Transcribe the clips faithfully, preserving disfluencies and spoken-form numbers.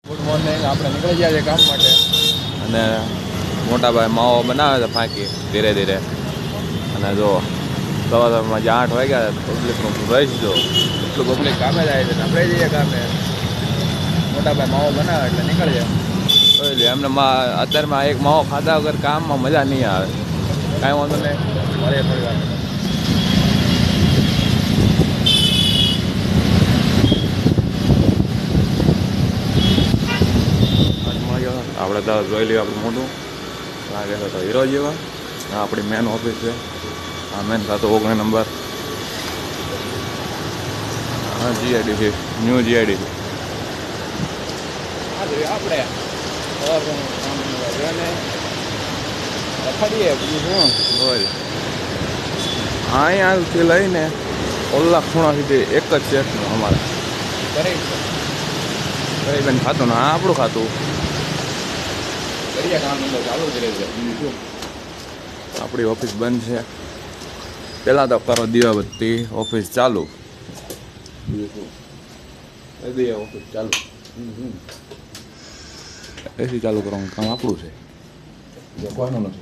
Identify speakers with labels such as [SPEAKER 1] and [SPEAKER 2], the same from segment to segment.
[SPEAKER 1] Good morning. આપણે નીકળી ગયા છે કામ માટે અને મોટાભાઈ માવો બનાવે છે ફાંકી ધીરે ધીરે. અને જો સવા સવારમાં જે આઠ વાગ્યા પબ્લિકનું રહીશ જો એટલું પબ્લિક કામે જાય છે ને આપણે જઈએ કામે. મોટાભાઈ માવો બનાવે એટલે નીકળી જાય. એટલે એમને અત્યારમાં એક માવો ખાધા વગર કામમાં મજા નહીં આવે. કાંઈ વાંધો નહીં, મળીએ થોડી વાર. આપણે તો જોઈ લઈએ આપણું મોટું લાગે છે તો હીરો જેવા. આ આપણી મેન ઓફિસ છે. આ મેન ખાતું ઓગણીસ નંબર. હા જીઆઈડી છે, ન્યૂ જીઆઈડી છે આપણે રખડીએ બીજું શું બોલ. અહીંયાથી લઈને ઓલા ખૂણા સુધી એક જ શેઠનું અમારે ગરીબન ખાતું ને આ આપણું ખાતું. ચાલુ જ રહેશે. આપણી ઓફિસ બંધ છે. પહેલાં તો કરો દીવાબત્તી, ઓફિસ ચાલુ. ઓફિસ ચાલુ એસી ચાલુ કરવાનું કામ આપણું છે, કોઈનું નથી.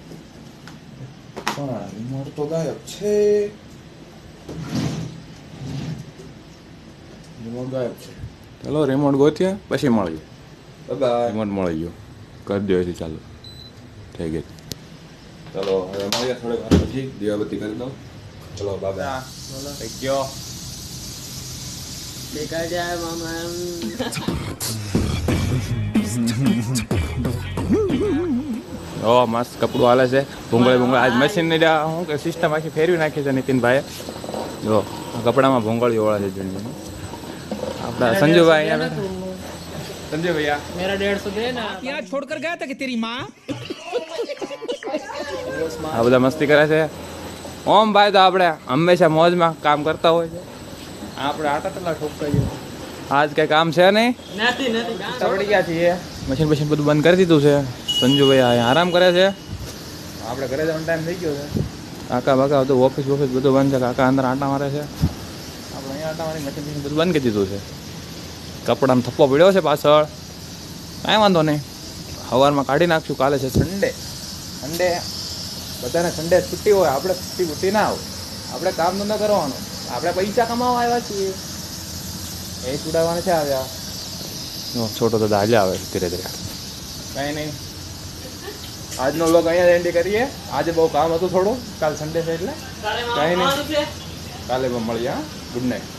[SPEAKER 1] પણ રિમોટ તો ગાયબ છે. રિમોટ ગાયબ છે. ચાલો રિમોટ ગોત્યા પછી મળીએ. રિમોટ મળી ગયો. કરી દો એસી ચાલુ થઈ ગઈ. ચલો હવે મળીએ થોડીક વાર પછી. દીવાબત્તી કરી દો. ચલો બાબા થઈ ગયો. ઓ મસ્ત કપડું હાલે છે. ભૂંગળે ભૂંગળે આજ મશીન ની શું કે સિસ્ટમ આખી ફેરવી નાખી છે નીતિનભાઈએ. જો કપડામાં ભૂંગળી ઓળા છે જૂની. આપણા સંજુભાઈ અહીંયા संजय भैया मेरा डेढ़ सौ देना. यहाँ छोड़कर गया था कि तेरी माँ. આ બધા મસ્તી કરે છે. ઓમ ભાઈ તો આપણે હંમેશા મોજમાં કામ કરતા હોય છે. આપણે આટા તલા ઠોકતા જઈએ. આજ કઈ કામ છે નહીં. નથી નથી ચડી ગયા છીએ. મશીન મશીન બધું બંધ કરી દીધું છે. સંજુભાઈ અહીંયા આરામ કરે છે. આપણે ઘરે જવાનો ટાઈમ થઈ ગયો છે. કાકા બાકા બધું ઓફિસ ઓફિસ બધું બંધ છે. કાકા અંદર આટા મારે છે. આપણે અહીંયા આટા મારી મશીન મશીન બધું બંધ કરી દીધું છે. કપડામાં થપ્પો પડ્યો છે પાછળ. કાંઈ વાંધો નહીં, સવારમાં કાઢી નાખશું. કાલે છે સન્ડે. સન્ડે બધાને સન્ડે છુટ્ટી હોય. આપણે છુટ્ટી છુટ્ટી ના હોય. આપણે કામ ધંધો કરવાનો. આપણે પૈસા કમાવા આવ્યા છીએ. એ છોડાવવાના છે આવ્યા. છોટો તો દાજા આવે ધીરે ધીરે. કાંઈ નહીં, આજનો વ્લોગ અહીંયા એન્ડ કરીએ. આજે બહુ કામ હતું થોડું. કાલ સન્ડે છે એટલે કાંઈ નહીં. કાલે પણ મળીએ. હા, ગુડ નાઇટ.